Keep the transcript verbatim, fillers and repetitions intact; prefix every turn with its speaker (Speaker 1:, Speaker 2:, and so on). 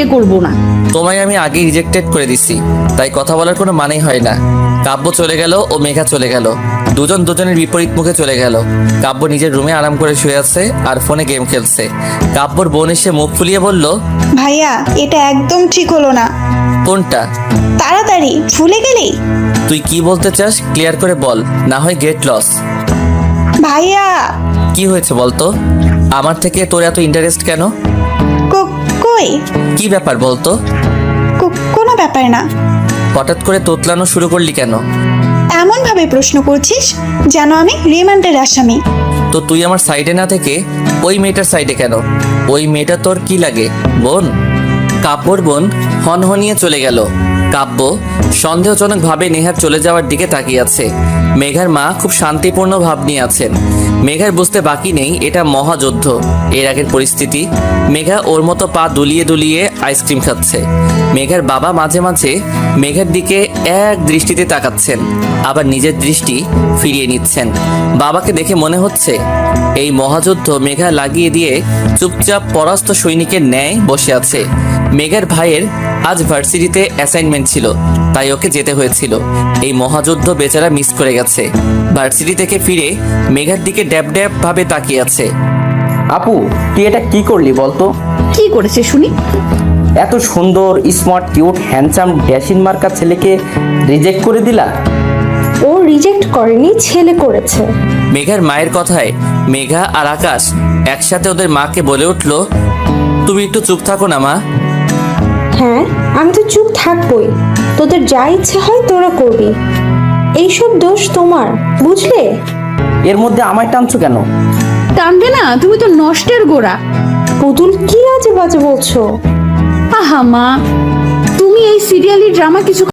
Speaker 1: বিয়ে করব না।
Speaker 2: তোমায় আমি আগে রিজেক্টেড করে দিছি, তাই কথা বলার কোনো মানেই হয় না। কাব্য চলে গেল ও মেঘা চলে গেল, দুজন দুজনের বিপরীত মুখে চলে গেল। কাব্য নিজের রুমে আরাম করে শুয়ে আছে আর ফোনে গেম খেলছে। কাব্যর বোন এসে মুখ ফুলিয়ে বলল,
Speaker 3: ভাইয়া এটা একদম ঠিক হলো না।
Speaker 2: কোনটা?
Speaker 3: তাড়াতাড়ি ভুলে গেলি?
Speaker 2: তুই কি বলতে চাস ক্লিয়ার করে বল, না হয় গেট লস।
Speaker 3: ভাইয়া
Speaker 2: কি হয়েছে বলতো? আমার থেকে তোর এত ইন্টারেস্ট কেন?
Speaker 3: কো- কই
Speaker 2: কি ব্যাপার বলতো?
Speaker 3: কো- কোনো ব্যাপার না।
Speaker 2: হঠাৎ করে তোতলানো শুরু করলি কেন?
Speaker 3: এমন ভাবে প্রশ্ন করছিস যেন আমি রিমান্ডের আসামি।
Speaker 2: তো তুই আমার সাইডে না থেকে ওই মেয়েটার সাইডে কেন? ওই মেয়েটা তোর কি লাগে, বোন? কাব্যর বোন হনহনিয়ে চলে গেল। কাব্য সন্দেহজনকভাবে নেহার চলে যাওয়ার দিকে তাকিয়ে আছে। মেঘার মা খুব শান্তিপূর্ণ ভাব নিয়ে আছেন। মেঘার বুঝতে বাকি নেই এটা মহাযুদ্ধ। এর আগের পরিস্থিতি, মেঘা ওর মতো পা দুলিয়ে দুলিয়ে আইসক্রিম খাচ্ছে। মেঘার বাবা মাঝে মাঝে মেঘার দিকে এক দৃষ্টিতে তাকাচ্ছেন, আবার নিজের দৃষ্টি ফিরিয়ে নিচ্ছেন। বাবাকে দেখে মনে হচ্ছে এই মহাযুদ্ধ মেঘা লাগিয়ে দিয়ে চুপচাপ পরাস্ত সৈনিকের ন্যায় বসে আছে। মেঘার ভাইয়ের আজ ভার্সিটিতে অ্যাসাইনমেন্ট ছিল, তাই ওকে যেতে হয়েছিল। এই মহাযুদ্ধ বেচারা মিস করে গেছে। ভার্সিটি থেকে ফিরে মেঘার দিকে ড্যাব ড্যাব ভাবে তাকিয়ে আছে।
Speaker 4: আপু, তুই এটা কি করলি বলতো?
Speaker 1: কি করেছে শুনি?
Speaker 4: এত সুন্দর স্মার্ট কিউট হ্যান্ডসাম ড্যাশিন মার্কা ছেলেকে রিজেক্ট করে দিলা?
Speaker 5: ও রিজেক্ট করেনি, ছেলে করেছে।
Speaker 2: মেঘার মায়ের কথায় মেঘা আর আকাশ একসাথে ওদের মাকে বলে উঠল, তুমি একটু চুপ থাকো না মা।
Speaker 5: হ্যাঁ, আমি তো চুপ থাকবই। তোদের যা ইচ্ছে হয় তোরা করবি, এইসব দোষ তোমার, বুঝলে?
Speaker 4: এর মধ্যে আমায় টানছো কেন?
Speaker 1: টানবে না, তুমি তো নষ্টের গোড়া।
Speaker 5: পুতুল কি আজে বাজে বলছো?
Speaker 1: আহা মা, তুমি এই সিরিয়ালি ড্রামা কিছু